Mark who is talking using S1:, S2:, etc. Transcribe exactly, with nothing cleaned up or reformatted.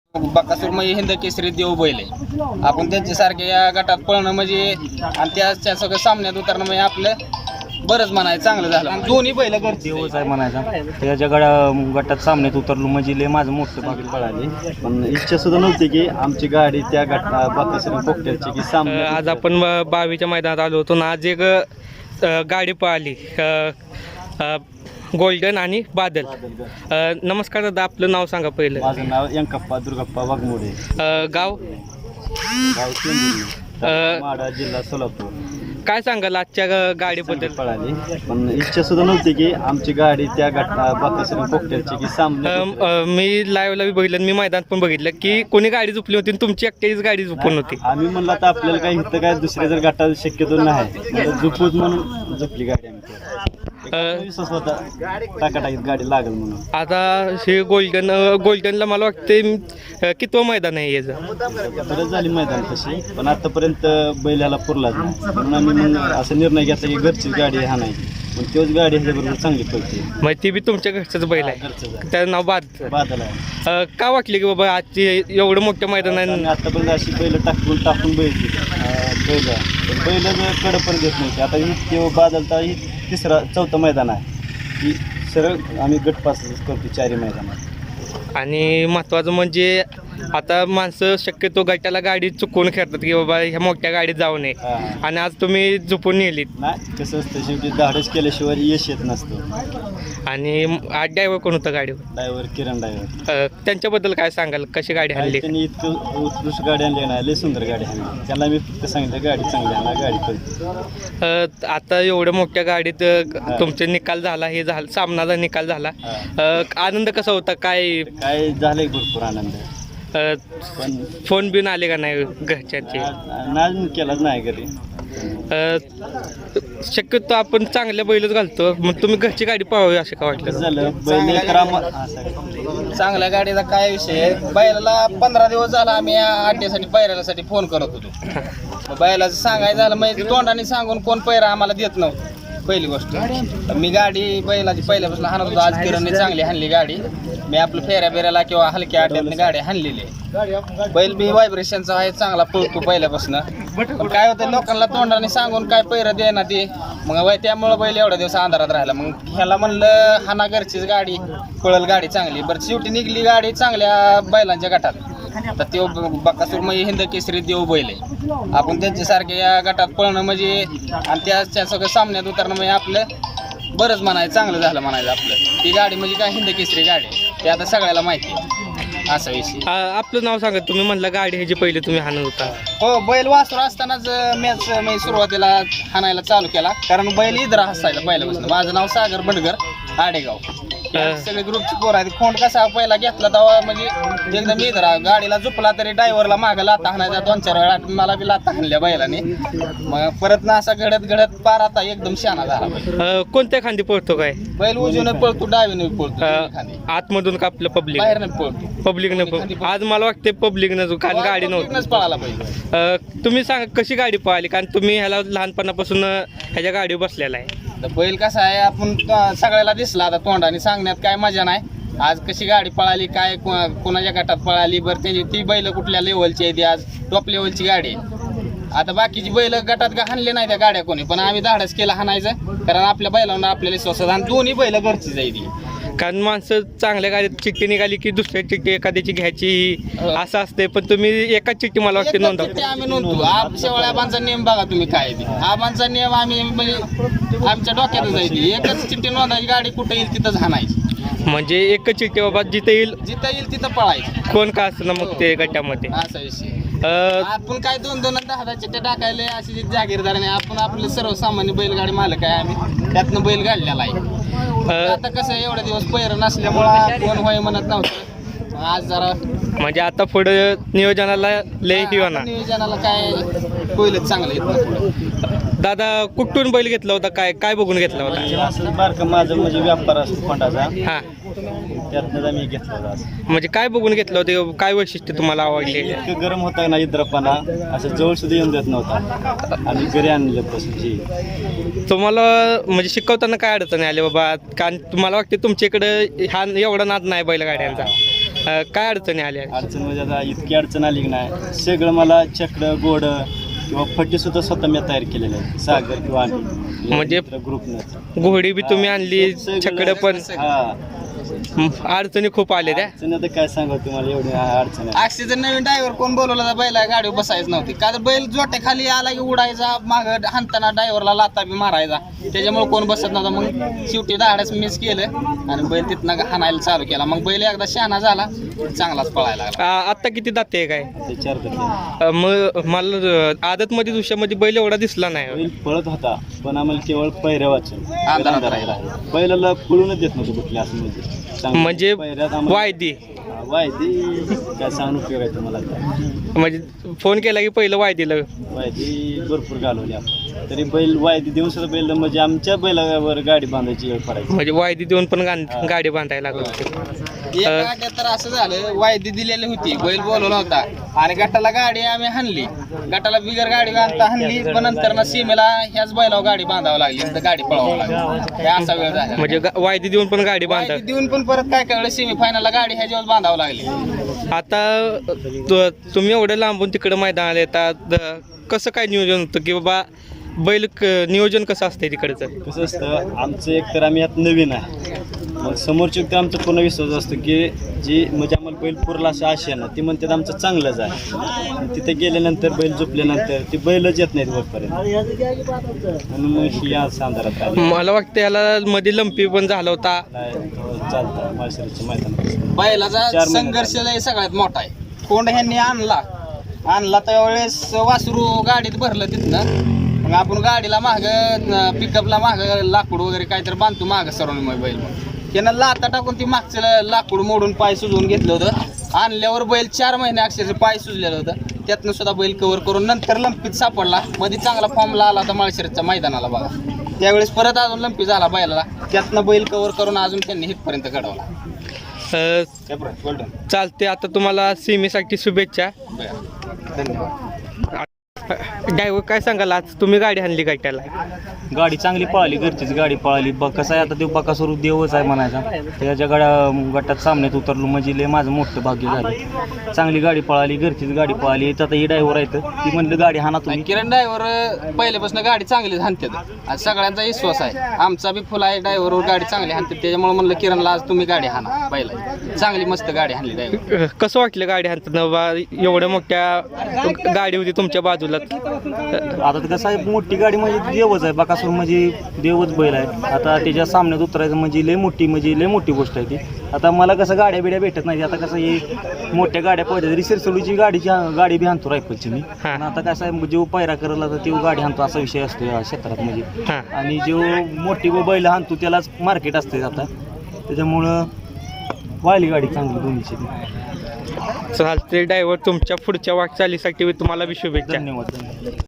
S1: बकासूर म्हणजे हिंद केसरी देव बैल आहे. आपण त्यांच्यासारखे या गटात पळणं म्हणजे आणि त्या सगळं सामन्यात उतरणं म्हणजे आपलं बरंच म्हणायचं चांगलं झालं. आणि दोन्ही बैल
S2: देवच आहे म्हणायचा. त्याच्या गडा गटात सामन्यात उतरलो म्हणजे लय माझं मोठं भाग पळाले. पण इच्छा सुद्धा नव्हती की आमची गाडी त्या गटा बकासूर पोकट्याची की सामने.
S3: आज आपण बावीच्या मैदानात आलो होतो ना. आज एक अ, गाडी पळाली गोल्डन आणि बादल. अ, नमस्कार दादा, आपलं नाव सांगा पहिलं.
S2: माझं नाव यंकप्पा दुर्गप्पा वाघमोडे,
S3: अ, गाव
S2: गाव चेंबूर, माढा, जिल्हा सोलापूर.
S3: काय सांगाल आजच्या ग- गाडीबद्दल?
S2: पळाली. पण इच्छा सुद्धा नव्हती की आमची गाडी त्या गटा बकासूर पोकट्याची की सामने.
S3: अ, अ, मी लाईव्हला बी बघितलं, मी मैदानात पण बघितलं की कोणी गाडी झोपली होती आणि तुमची एकट्याचीच गाडी झोपून होती.
S2: आम्ही म्हणलं तर आपल्याला काही इथं काय दुसऱ्या जर गटात शक्यतो नाही, झोपूच म्हणून झोपली गाडी. आम्ही विश्वास होता टाकाटाकीत गाडी लागेल म्हणून.
S3: आता हे गोल्डन गोल्डनला मला वाटते कितवं मैदान आहे याचं?
S2: बरंच झाली मैदान तशी, पण आतापर्यंत बैलाला पुरलाच नाही. म्हणून आम्ही मग असा निर्णय घेतला की घरचीच गाडी हा नाही, पण तोच गाडी ह्याच्याबरोबर चांगली पडते.
S3: मग ती बी तुमच्या घरचंच बैल आहे,
S2: घरचं
S3: त्याचं नाव बाद.
S2: बादल आहे.
S3: अ, का वाटले की बाबा आजची एवढं मोठं मैदान आहे?
S2: आणि आतापर्यंत अशी बैल टाकून टाकून बैल बैल बैल कडं पण घेत नव्हते. आता ही तेव्हा बादलता ही तिसरा चौथं मैदान आहे. ही सरळ आम्ही गटपास करतो चारी मैदानात.
S3: आणि महत्त्वाचं म्हणजे आता माणसं शक्यतो गटाला गाडी चुकवून खेळतात की बाबा ह्या मोठ्या गाडीत जाऊ नये, आणि आज तुम्ही झोपून नेलीत.
S2: नाही, कसं असतं शेवटी धाडस केल्याशिवाय यश येत नसतं.
S3: आणि आज ड्रायव्हर कोण होता गाडीवर?
S2: Driver Kiran driver.
S3: त्यांच्याबद्दल काय सांगाल, कशी गाडी हल्ली?
S2: त्यांनी इतकं उत्कृष्ट गाडी आणली ना, लय सुंदर गाडी आणली. त्यांना मी फक्त सांगितलं गाडी चांगली आणा, गाडी पळते.
S3: आता एवढ्या मोठ्या गाडीत अ, तुमचे निकाल झाला, हे झालं सामनाचा निकाल झाला. अ, आनंद कसा होता? काय
S2: काय झालंय भरपूर आनंद.
S3: अ,
S2: पण
S3: फोन बिन आले का नाही घरच्यांचे?
S2: नाच केलाच नाही घरी.
S3: अ, शक्यतो आपण चांगल्या बैलच घालतो, मग तुम्ही घरची गाडी पळवावी असं का वाटलं?
S2: कसं झालं बैल तर आम्हा- हा, sorry.
S1: चांगल्या गाडीचा काय विषय आहे, बैलाला पंधरा दिवस झाला आम्ही या अड्ड्यासाठी पैरासाठी फोन करत होतो. मग बैलाचं सांगायचं झालं म्हणजे तोंडाने सांगून कोण पैरा आम्हाला देत नव्हतं. पहिली गोष्ट तर मी गाडी बैलाची पहिल्यापासून हाणत होतो. आज किरणने चांगली हाणली गाडी. मी आपलं फेऱ्या बिऱ्याला किंवा हलक्या अड्ड्यातनं गाडी हाणलेली आहे. बैल बी व्हायब्रेशनचा आहे, चांगला पळतो पहिल्यापासून. पण काय होतं, लोकांना तोंडाने सांगून काय पैरा दे ना ते, मग वय त्यामुळं बैल एवढ्या दिवस अंधारात राहिला. मग ह्याला म्हणलं हाना घरचीच गाडी पळल, गाडी चांगली. बरं शेवटी निघली गाडी चांगल्या बैलांच्या गटात. तर तो बकासूर म्हणजे हिंद केसरी देव बैल आहे. आपण त्यांच्यासारखे या गटात पळणं म्हणजे आणि त्या सगळं सामन्यात उतरणं म्हणजे आपलं बरंच म्हणायचं चांगलं झालं म्हणायचं. आपलं ती गाडी म्हणजे काय हिंद केसरी गाडी आहे, ते आता सगळ्याला माहिती आहे असा विषय.
S3: अ, आपलं नाव सांगा. तुम्ही म्हणलं गाडी ह्याची पहिले तुम्ही हाणत होता.
S1: हो, बैल वासरू असतानाच मॅच मी सुरुवातीला हाणायला चालू केला, कारण बैल इधरा हसायला पहिल्यापासून. माझं नाव सागर बंडगर, आडेगाव. सगळे ग्रुपची पोर आहेत. खोंड कसा पहिला घेतला तेव्हा म्हणजे एकदम इधरा, गाडीला झोपला तरी ड्रायव्हरला मागं लाता हाणायचा. दोन चार वेळा मला बी लाता हाणल्या बैलाने. मग परत ना असा घडत घडत पार आता एकदम शहाणा झाला बैल.
S3: अ, कोणत्या खांदी पळतो काय?
S1: बैल उजवीने पळतो, डावीने पळतो,
S3: अ, आतमधून का आपलं पब्लिक?
S1: बाहेरने पळतो.
S3: पब्लिकनं. आज मला वाटते पब्लिकनं, कारण गाडी नव्हती.
S1: पळाला बैल.
S3: अ, तुम्ही सांगा कशी गाडी पळाली, कारण तुम्ही ह्याला लहानपणापासून अ, ह्याच्या गाडीवर बसलेला आहे.
S1: तर बैल कसा आहे, आपण त- सगळ्याला दिसला आता तोंडाने सांगण्यात काय मजा नाही. आज कशी गाडी पळाली, काय को- कोणाच्या गटात पळाली, बरं त्याची ती बैल कुठल्या लेवलची आहे, ती आज टॉप लेवलची गाडी आहे. आता बाकीची बैल गटात का हाणले नाही त्या गाड्या कोणी, पण आम्ही धाडस केलं हाणायचं, कारण आपल्या बैलांना आपल्याला विश्वास आहे. आणि दोन्ही बैल घरची जाईल.
S3: कारण माणसं चांगल्या गाडीत चिठ्ठी निघाली की दुसऱ्या चिठ्ठी एखाद्याची घ्यायची असं असते, पण तुम्ही एकाच चिठ्ठी मला वाटते नोंदव.
S1: ते आम्ही नोंदतो. आप शेवळ्या आबांचा नियम बघा तुम्ही काय आहे ते. आबांचा नियम आम्ही म्हणजे आमच्या डोक्यातच आहे ती. एकच चिठ्ठी नोंदायची, गाडी कुठं येईल तिथंच हाणायची.
S3: म्हणजे एकच चिठ्ठी बाबा, जिथे येईल
S1: जिथं येईल तिथं पळायची.
S3: कोण का असतं ना मग ते गटामध्ये.
S1: असा विषय.
S3: अ,
S1: आपण काय दोन दोन दहा दहा चिठ्ठ्या टाकायला अशी जी जागीरदार नाही. आपण आपले सर्वसामान्य बैलगाडी मालक आहे आम्ही, त्यातनं बैल काढलेला आहे. आता कसं एवढे दिवस पैर नसल्यामुळं कोण होय म्हणत नव्हतं. आज जरा
S3: म्हणजे आता पुढे नियोजनाला लय ही होणार.
S1: नियोजनाला काय होईलच चांगलं येत.
S3: दादा कुठून बैल घेतला होता, काय काय बघून घेतला होता?
S2: असं बारकं माझं म्हणजे व्यापार असतो फंडाचा,
S3: हा,
S2: त्यातनं आम्ही घेतला होता. असं
S3: म्हणजे काय बघून घेतलं होतं, काय वैशिष्ट्य तुम्हाला आवडले?
S2: इतकं गरम होता ना इद्रपणा, असं जवळ सुद्धा येऊन देत नव्हता. आणि घरी आणलं पासून
S3: तुम्हाला म्हणजे शिकवताना काय अडचण आली बाबा? कारण तुम्हाला वाटते तुमच्या इकडं हा एवढा नाद नाही बैलगाड्यांचा. अ, काय अडचणी आल्या?
S2: अडचण म्हणजे आता इतकी अडचण आली की नाही, सगळं मला चकडं गोड किंवा फटी सुद्धा स्वतः मी तयार केलेले आहे, सागर किंवा आम्ही
S3: म्हणजे
S2: ग्रुपनं.
S3: घोडी बी तुम्ही आणली, छकडं पण,
S2: हा
S3: हं, अडचणी खूप आल्या त्या.
S2: अडचण आता काय सांगू तुम्हाला, एवढी अडचण आहे.
S1: अक्षयचं नवीन ड्रायव्हर कोण बोलवला तर बैला गाडीवर बसायच नव्हती, का तर बैल जोट्या खाली आला की उडायचा, माग हाणताना ड्रायव्हरला लाता बी मारायचा, त्याच्यामुळे कोण बसत नव्हता. मग शेवटी दहाडच मिस केलं आणि बैल तिथनं हाणायला चालू केला. मग बैल एकदा शहाणा झाला, चांगलाच पळायला लागला.
S3: आ, आत्ता किती दाते आहे काय?
S2: ते चार टक्के
S3: अ, मग मला आदत मध्ये दुसऱ्यामध्ये बैल एवढा दिसला नाही.
S2: बैल पळत होता, पण आम्हाला केवळ पैऱ्या वाचून
S1: अंधारात
S2: राहिला. बैलाला पळूनच देत नव्हतं कुठल्या असं म्हणजे चांगलं.
S3: म्हणजे
S2: पैऱ्यात आम्हाला-
S3: वायदी
S2: वायदी काय सांगून उपयोग आहे तुम्हाला आता.
S3: म्हणजे फोन केला की पहिलं वायदीला.
S2: वायदी भरपूर घालवली आपण, तरी बैल वायदी देऊन सुद्धा बैल म्हणजे आमच्या बैलावर गाडी बांधायची वेळ पडायची.
S3: म्हणजे वायदी देऊन पण गा- गाडी बांधायला लागत होती.
S1: एक गाड्यात तर असं झालं, वायदी दिलेली होती, बैल बोलवला होता आणि गटाला गाडी आम्ही हाणली, गटाला बिगर गाडी बांधता हाणली, पण नंतर ना सीमेला ह्याच बैलावर गाडी बांधावं लागली, तर गाडी पळवावं लागली. हे असा वेळ झाला.
S3: म्हणजे गा- वायदी देऊन पण गाडी बांधा.
S1: वायदी देऊन पण परत काय कळलं, सेमी फायनलला गाडी ह्याच्यावर बांधावं लागली.
S3: आता तु- तुम्ही एवढं लांबून तिकडं मैदानाला येतात, द- कसं काय नियोजन होतं की बाबा बैल क- नियोजन कसं असतंय तिकडचं?
S2: कसं असतं, आमचं एक तर आम्ही यात नवीन आहे, मग समोरची व्यक्ती आमचा पूर्ण विश्वास असतो की जी म्हणजे आम्हाला बैल पुरला असं आशा ना, ती म्हणतात आमचं चांगलंच आहे. तिथे गेल्यानंतर बैल झोपल्यानंतर ती बैलच येत नाहीत वरपर्यंत, म्हणून मग ही आज अंधारात आली.
S3: मला वाटतं याला मध्ये लंपी पण झाला होता.
S2: नाही, तो चालतं माळशिरसच्या मैदानात.
S1: बैलाचा
S2: चार महिने
S1: संघर्ष लय सगळ्यात मोठा आहे. कोंड ह्यांनी आणला आणला त्यावेळेस वासरू गाडीत भरलं तिथनं, मग आपण गाडीला माग पिकअपला माग लाकूड वगैरे काहीतरी बांधतो माग सरून मग बैल, मग त्यानं लाता टाकून ती मागचं लाकूड मोडून पाय सुजवून घेतलं होतं. आणल्यावर बैल चार महिने अक्षरशः पाय सुजलेलं होतं, त्यातनं सुद्धा बैल कव्हर करून नंतर लंपीत सापडला. मध्ये चांगला फॉर्मला आला होता माळशिरसच्या मैदानाला बघा, त्यावेळेस परत अजून लंपी झाला बैलाला, त्यातनं बैल कव्हर करून अजून त्यांनी हिटपर्यंत घडवला.
S3: अ, चालते. आता तुम्हाला सीमेसाठी शुभेच्छा.
S1: धन्यवाद.
S3: ड्रायव्हर काय सांगाल, आज तुम्ही गाडी आणली गाठ्याला?
S4: गाडी चांगली पळाली, घरचीच गाडी पळाली. ब कसं आहे आता ते बकासूर देवच आहे म्हणायचा, त्याच्या गाड्या गटात सामन्यात उतरलो म्हणजे लय माझं मोठं भाग्य झालं. चांगली गाडी पळाली, घरचीच गाडी पळाली. आता ही ड्रायव्हर आहे ती म्हणलं गाडी हाना तुम्ही.
S1: किरण ड्रायव्हर पहिल्यापासून गाडी चांगलीच हाणतात, आज सगळ्यांचा विश्वास आहे. आमचा बी फुल आहे ड्रायव्हरवर, गाडी चांगली हाणतात, त्याच्यामुळे म्हणलं किरणला आज तुम्ही गाडी हाणा. पहिला चांगली मस्त गाडी हाणली ड्रायव्हर.
S3: अ, कसं वाटलं गाडी हाणताना बा? एवढ्या मोठ्या गाडी होती तुमच्या बाजूला.
S4: आता ते कसं आहे, मोठी गाडी म्हणजे देवच आहे. बकासूर म्हणजे देवच बैल आहे. आता त्याच्या सामन्यात उतरायचं म्हणजे लय मोठी म्हणजे लय मोठी गोष्ट आहे ती. आता मला कसं गाड्या बिड्या भेटत नाही, आता कसं हे मोठ्या गाड्या पाहिजे तरी सिरसोलीची गाडीची गाडी बी आणतो रायफलची मी.
S3: हा.
S4: आणि आता कसं आहे, जेव्हा पायरा करायला तर तेव्हा गाडी आणतो असा विषय असतो या क्षेत्रात म्हणजे.
S3: हां.
S4: आणि जेव्हा मोठी व बैल आणतो त्यालाच मार्केट असते आता, त्याच्यामुळं वाळली गाडी चांगली दोन्हीची.
S3: चालते ड्रायव्हर, तुमच्या पुढच्या वाटचालीसाठी तुम्हाला बी शुभेच्छा.
S4: धन्यवाद.